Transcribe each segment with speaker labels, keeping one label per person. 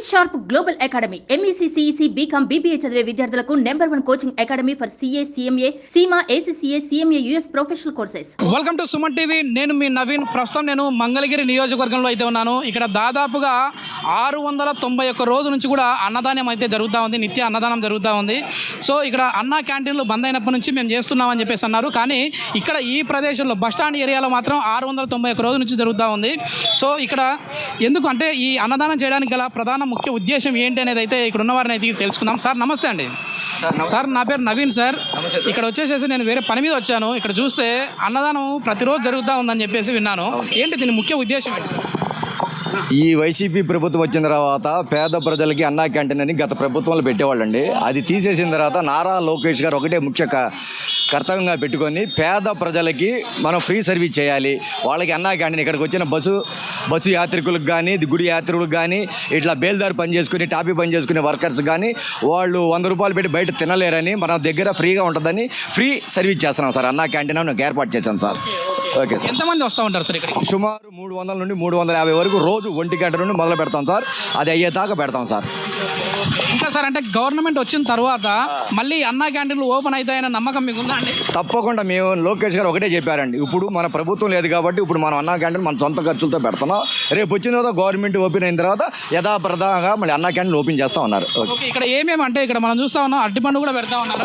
Speaker 1: Sharp global academy MEC CEC BCom BBA చదివే విద్యార్థులకు #1 coaching academy for CA CMA CIMA ACCA CMA US professional courses.
Speaker 2: Welcome to Suman TV. నేను మీ నవీన్. ప్రస్తుతం నేను మంగళగిరి నియోజకవర్గంలో అయితే ఉన్నాను. ఇక్కడ దాదాపుగా 691 రోజు నుంచి కూడా అన్నదానం అయితే జరుగుతూ ఉంది. నిత్య అన్నదానం జరుగుతూ ఉంది. సో ఇక్కడ అన్న క్యాంటీన్లు బంద్ అయినప్పటి నుంచి మేము చేస్తున్నామని చెప్పేసి అన్నారు. కానీ ఇక్కడ ఈ ప్రదేశంలో బస్టాండ్ ఏరియాలో మాత్రం 691 రోజు నుంచి జరుగుతూ ఉంది. సో ఇక్కడ ఎందుకు అంటే ఈ అన్నదానం చేయడానికి గల ప్రధాన ముఖ్య ఉద్దేశం ఏంటి అనేది అయితే ఇక్కడ ఉన్న వారిని అయితే తెలుసుకుందాం. సార్ నమస్తే అండి. సార్ నా పేరు నవీన్ సార్. ఇక్కడ వచ్చేసేసి నేను వేరే పని మీద వచ్చాను. ఇక్కడ చూస్తే అన్నదానం ప్రతిరోజు జరుగుతూ ఉందని చెప్పేసి విన్నాను. ఏంటి దీని ముఖ్య ఉద్దేశం ఏంటి సార్?
Speaker 3: ఈ వైసీపీ ప్రభుత్వం వచ్చిన తర్వాత పేద ప్రజలకి అన్నా క్యాంటీన్ అని గత ప్రభుత్వంలో పెట్టేవాళ్ళండి. అది తీసేసిన తర్వాత నారా లోకేష్ గారు ఒకటే ముఖ్య కర్తవ్యంగా పెట్టుకొని పేద ప్రజలకి మనం ఫ్రీ సర్వీస్ చేయాలి. వాళ్ళకి అన్నా క్యాంటీన్ ఇక్కడికి వచ్చిన బస్సు యాత్రికులకు కానీ గుడి యాత్రికులకు కానీ ఇట్లా బేల్దారి పని చేసుకుని టాపీ పని చేసుకునే వర్కర్స్ కానీ వాళ్ళు 100 రూపాయలు పెట్టి బయట తినలేరని మన దగ్గర ఫ్రీగా ఉంటుందని ఫ్రీ సర్వీస్ చేస్తున్నాం సార్. అన్నా క్యాంటీన్ అని ఏర్పాటు చేశాను సార్. Okay sir.
Speaker 2: ఎంతమంది వస్తూ ఉంటారు సార్ ఇక్కడ?
Speaker 3: సుమారు 300 నుండి 350 వరకు రోజు 1 గంట నుండి మొదలు పెడతాం సార్. అది అయ్యేదాకా పెడతాం సార్.
Speaker 2: ఇంకా సార్ అంటే గవర్నమెంట్ వచ్చిన తర్వాత మళ్ళీ అన్నా క్యాంటీన్లు ఓపెన్ అవుతాయన్న నమ్మకం మీకు ఉందా అండి?
Speaker 3: తప్పకుండా. మేము లోకేష్ గారు ఒకటే చెప్పారండి, ఇప్పుడు మన ప్రభుత్వం లేదు కాబట్టి ఇప్పుడు మనం అన్నా క్యాంటీన్ మన సొంత ఖర్చులతో పెడుతున్నాం. రేపు వచ్చిన తర్వాత గవర్నమెంట్ ఓపెన్ అయిన తర్వాత యథాప్రదంగా మళ్ళీ అన్నా క్యాంటీన్ ఓపెన్ చేస్తా ఉన్నారు.
Speaker 2: ఇక్కడ ఏమేమి అంటే ఇక్కడ మనం చూస్తా ఉన్నాం, అరటిపండు కూడా పెడతా ఉన్నారు.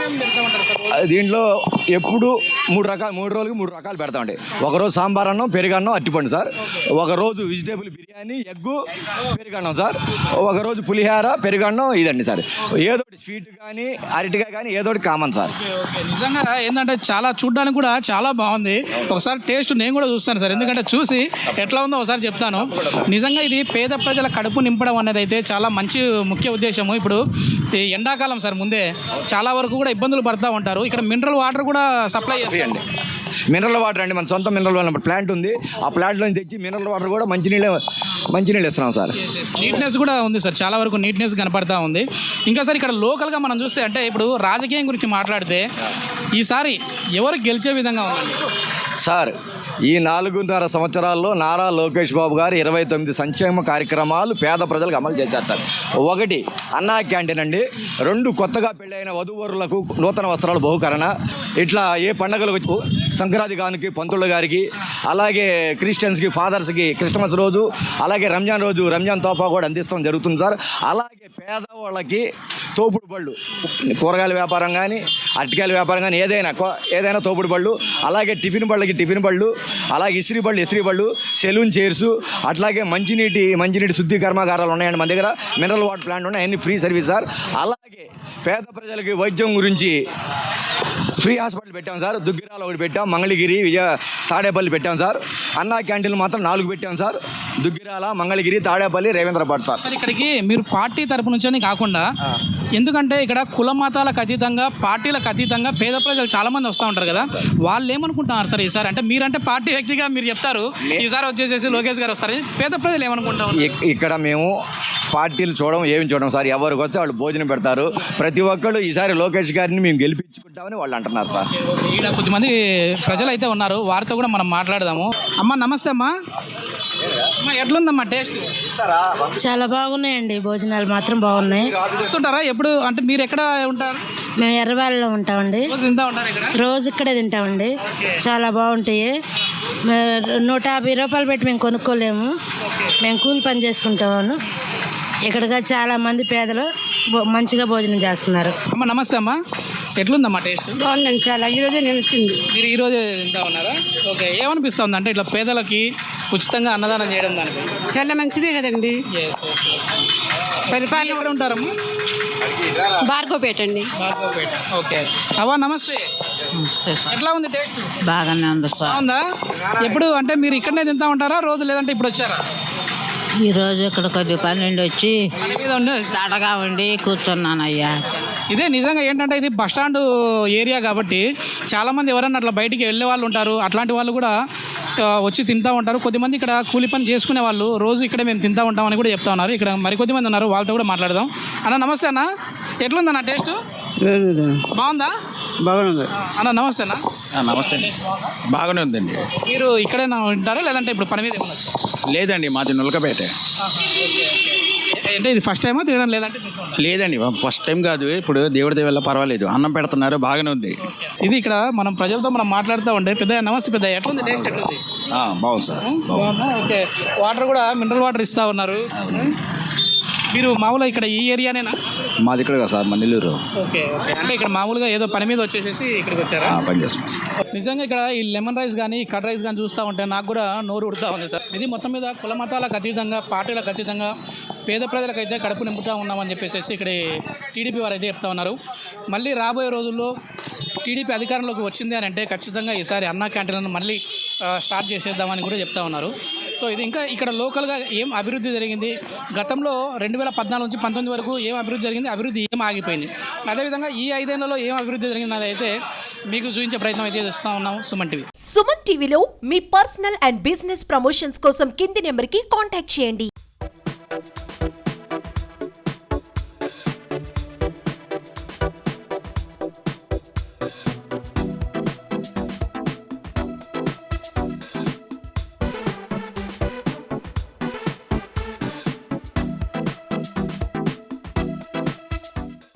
Speaker 3: దీంట్లో ఎప్పుడు 3 రోజులకి 3 రకాలు పెడతామండి. ఒకరోజు సాంబార్ అన్నం, పెరుగన్నం, అరటిపండు సార్. ఒకరోజు వెజిటేబుల్ బిర్యానీ, ఎగ్గు, పెరుగన్నం సార్. ఒకరోజు పులిహార, పెరుగన్నం, ఇదండి సార్. ఏదోటి స్వీట్ కానీ అరటిగా కానీ ఏదోటి కామన్ సార్.
Speaker 2: నిజంగా ఏంటంటే చాలా చూడడానికి కూడా చాలా బాగుంది. ఒకసారి టేస్ట్ నేను కూడా చూస్తాను సార్, ఎందుకంటే చూసి ఎట్లా ఉందో ఒకసారి చెప్తాను. నిజంగా ఇది పేద ప్రజల కడుపు నింపడం అనేది అయితే చాలా మంచి ముఖ్య ఉద్దేశము. ఇప్పుడు ఎండాకాలం సార్, ముందే చాలా వరకు కూడా ఇబ్బందులు పడుతూ ఉంటారు. ఇక్కడ మినరల్ వాటర్ కూడా సప్లై చేయండి.
Speaker 3: మినరల్ వాటర్ అండి, మన సొంత మినరల్ వాటర్ ప్లాంట్ ఉంది. ఆ ప్లాంట్లో తెచ్చి మినరల్ వాటర్ కూడా మంచినీళ్ళు ఇస్తున్నాం సార్.
Speaker 2: నీట్నెస్ కూడా ఉంది సార్, చాలా వరకు నీట్నెస్ కనపడతా ఉంది. ఇంకా సార్ ఇక్కడ లోకల్గా మనం చూస్తే అంటే ఇప్పుడు రాజకీయం గురించి మాట్లాడితే ఈసారి ఎవరు గెలిచే విధంగా ఉందండి
Speaker 3: సార్? ఈ 4.5 సంవత్సరాల్లో నారా లోకేష్ బాబు గారు 29 సంక్షేమ కార్యక్రమాలు పేద ప్రజలకు అమలు చేశారు సార్. 1 అన్నా క్యాంటీన్ అండి. 2 కొత్తగా పెళ్ళైన వధూవరులకు నూతన వస్త్రాలు బహుకరణ. ఇట్లా ఏ పండుగలకు సంక్రాంతి గానికి పంతుళ్ళ గారికి, అలాగే క్రిస్టియన్స్కి ఫాదర్స్కి క్రిస్మస్ రోజు, అలాగే రంజాన్ రోజు రంజాన్ తోఫా కూడా అందిస్తాం జరుగుతుంది సార్. అలాగే పేదవాళ్ళకి తోపుడు బళ్ళు, కూరగాయల వ్యాపారం కానీ అరటికాయల వ్యాపారం కానీ ఏదైనా తోపుడు బళ్ళు, అలాగే టిఫిన్ బళ్ళకి టిఫిన్ బళ్ళు, అలాగే ఇస్త్రీ బళ్ళు, సెలూన్ చైర్స్, అట్లాగే మంచినీటి శుద్ధి కర్మాగారాలు ఉన్నాయండి మన దగ్గర. మినరల్ వాటర్ ప్లాంట్ ఉన్నాయి, అన్ని ఫ్రీ సర్వీస్ సార్. అలాగే పేద ప్రజలకి వైద్యం గురించి ఫ్రీ హాస్పిటల్ పెట్టాం సార్. దుగ్గిరాలు 1 పెట్టాం, మంగళగిరి, తాడేపల్లి పెట్టాం సార్. అన్నా క్యాంటీన్లు మాత్రం 4 పెట్టాం సార్. దుగ్గిరాల, మంగళగిరి, తాడేపల్లి, రేవేంద్రపాట్ సార్.
Speaker 2: ఇక్కడికి మీరు పార్టీ తరపు నుంచి కాకుండా, ఎందుకంటే ఇక్కడ కుల మతాలకు అతీతంగా, పార్టీలకు అతీతంగా పేద ప్రజలు చాలా మంది వస్తూ ఉంటారు కదా, వాళ్ళు ఏమనుకుంటున్నారు సార్ ఈసారి? అంటే మీరంటే పార్టీ వ్యక్తిగా మీరు చెప్తారు, ఈసారి వచ్చేసేసి లోకేష్ గారు వస్తారు, పేద ప్రజలు ఏమనుకుంటారు? ఇక్కడ
Speaker 3: మేము పార్టీలు ఏమి చూడం సార్. ఎవరికి వస్తే వాళ్ళు భోజనం పెడతారు. ప్రతి ఒక్కళ్ళు ఈసారి లోకేష్ గారిని మేము గెలిపించుకుంటామని వాళ్ళు అంటున్నారు సార్.
Speaker 2: ఇక్కడ కొద్దిమంది ప్రజలు అయితే ఉన్నారు, వారితో కూడా మనం మాట్లాడదాము. అమ్మ నమస్తే అమ్మా. ఎట్లుందమ్మా టేస్ట్?
Speaker 4: చాలా బాగున్నాయండి, భోజనాలు మాత్రం బాగున్నాయి.
Speaker 2: వస్తుంటారా ఎప్పుడు? అంటే మీరు ఎక్కడ ఉంటారు?
Speaker 4: మేము ఎర్రవాళ్ళలో ఉంటామండి.
Speaker 2: రోజు
Speaker 4: ఇక్కడే తింటామండి. చాలా బాగుంటాయి. 150 రూపాయలు పెట్టి మేము కొనుక్కోలేము. మేము కూలి పని చేసుకుంటాము. ఇక్కడగా చాలా మంది పేదలు మంచిగా భోజనం చేస్తున్నారు.
Speaker 2: అమ్మ నమస్తే అమ్మా. ఎట్లుందమ్మా టేస్ట్?
Speaker 4: బాగుందండి, చాలా. ఈరోజే నిలిచింది.
Speaker 2: మీరు ఈరోజే తింటా ఉన్నారా? ఓకే. ఏమనిపిస్తుంది అంటే ఇట్లా పేదలకి ఉచితంగా అన్నదానం చేయడం దానికి?
Speaker 4: చాలా మంచిదే కదండి.
Speaker 2: పరిపాలన ఎక్కడ ఉంటారమ్మా?
Speaker 4: భార్గవపేట అండి.
Speaker 2: భార్గవపేట. ఓకే. అవ్వ నమస్తే. ఎట్లా ఉంది టేస్ట్?
Speaker 4: బాగానే ఉంది సార్.
Speaker 2: బాగుందా? ఎప్పుడు అంటే మీరు ఇక్కడనే తింటా ఉంటారా రోజు, లేదంటే ఇప్పుడు వచ్చారా?
Speaker 4: ఈరోజు ఇక్కడ కొద్ది పని నుండి వచ్చి అడగా ఉండి కూర్చున్నాను అయ్యా.
Speaker 2: ఇదే నిజంగా ఏంటంటే ఇది బస్టాండ్ ఏరియా కాబట్టి చాలామంది ఎవరన్నా అట్లా బయటికి వెళ్ళే వాళ్ళు ఉంటారు. అట్లాంటి వాళ్ళు కూడా వచ్చి తింటూ ఉంటారు. కొద్దిమంది ఇక్కడ కూలి పని చేసుకునే వాళ్ళు రోజు ఇక్కడే మేము తింటూ ఉంటామని కూడా చెప్తా ఉన్నారు. ఇక్కడ మరికొద్దిమంది ఉన్నారు, వాళ్ళతో కూడా మాట్లాడదాం. అన్న నమస్తే అన్న. ఎట్లుందన్న టేస్ట్? బాగుందా?
Speaker 5: బాగుంది
Speaker 2: అన్న. నమస్తే అన్న.
Speaker 5: నమస్తే. బాగానే ఉందండి.
Speaker 2: మీరు ఇక్కడే ఉంటారా లేదంటే ఇప్పుడు పని మీద ఏమన్నా?
Speaker 5: లేదండి, మాది నులకపేట.
Speaker 2: అంటే ఇది ఫస్ట్ టైమా తినడం లేదంటే
Speaker 5: లేదండి ఫస్ట్ టైం కాదు, ఇప్పుడు దేవుడి దేవల్ల పర్వాలేదు, అన్నం పెడుతున్నారు, బాగానే ఉంది.
Speaker 2: ఇది ఇక్కడ మనం ప్రజలతో మనం మాట్లాడుతూ ఉంటే పెద్ద నమస్తే పెద్ద ఎట్లుంది టేస్ట్ ఎట్లుంది?
Speaker 5: బాగుంది సార్.
Speaker 2: బాగుందా? ఓకే, వాటర్ కూడా మినరల్ వాటర్ ఇస్తా ఉన్నారు. మీరు మామూలుగా ఇక్కడ ఈ ఏరియానేనా?
Speaker 3: మాది ఇక్కడ కదా సార్, మా నెల్లూరు.
Speaker 2: ఓకే ఓకే, అంటే ఇక్కడ మామూలుగా ఏదో పని మీద వచ్చేసేసి ఇక్కడికి వచ్చారా?
Speaker 3: పని చేస్తున్నాం.
Speaker 2: నిజంగా ఇక్కడ ఈ లెమన్ రైస్ కానీ కర్డ్ రైస్ కానీ చూస్తూ ఉంటే నాకు కూడా నోరు ఉడుతూ ఉంది సార్. ఇది మొత్తం మీద కుల మతాలకు అతీతంగా, పార్టీలకు అతీతంగా పేద ప్రజలకైతే కడుపు నింపుతూ ఉన్నామని చెప్పేసి ఇక్కడ టీడీపీ వారు అయితే చెప్తా ఉన్నారు. మళ్ళీ రాబోయే రోజుల్లో టీడీపీ అధికారంలోకి వచ్చింది అని అంటే ఖచ్చితంగా ఈసారి అన్నా క్యాంటీన్లను మళ్ళీ స్టార్ట్ చేసేద్దామని కూడా చెప్తా ఉన్నారు. సో ఇది ఇంకా ఇక్కడ లోకల్గా ఏం అభివృద్ధి జరిగింది, గతంలో 2014 నుంచి 19 వరకు ఏం అభివృద్ధి జరిగింది, అభివృద్ధి ఏం ఆగిపోయింది, అదేవిధంగా ఈ 5 ఏళ్లలో ఏం అభివృద్ధి జరిగింది అది అయితే మీకు చూపించే ప్రయత్నం అయితే చేస్తూ ఉన్నాం. సుమన్ టీవీ.
Speaker 6: సుమన్ టీవీలో మీ పర్సనల్ అండ్ బిజినెస్ ప్రమోషన్స్ కోసం కింది నెంబర్కి కాంటాక్ట్ చేయండి.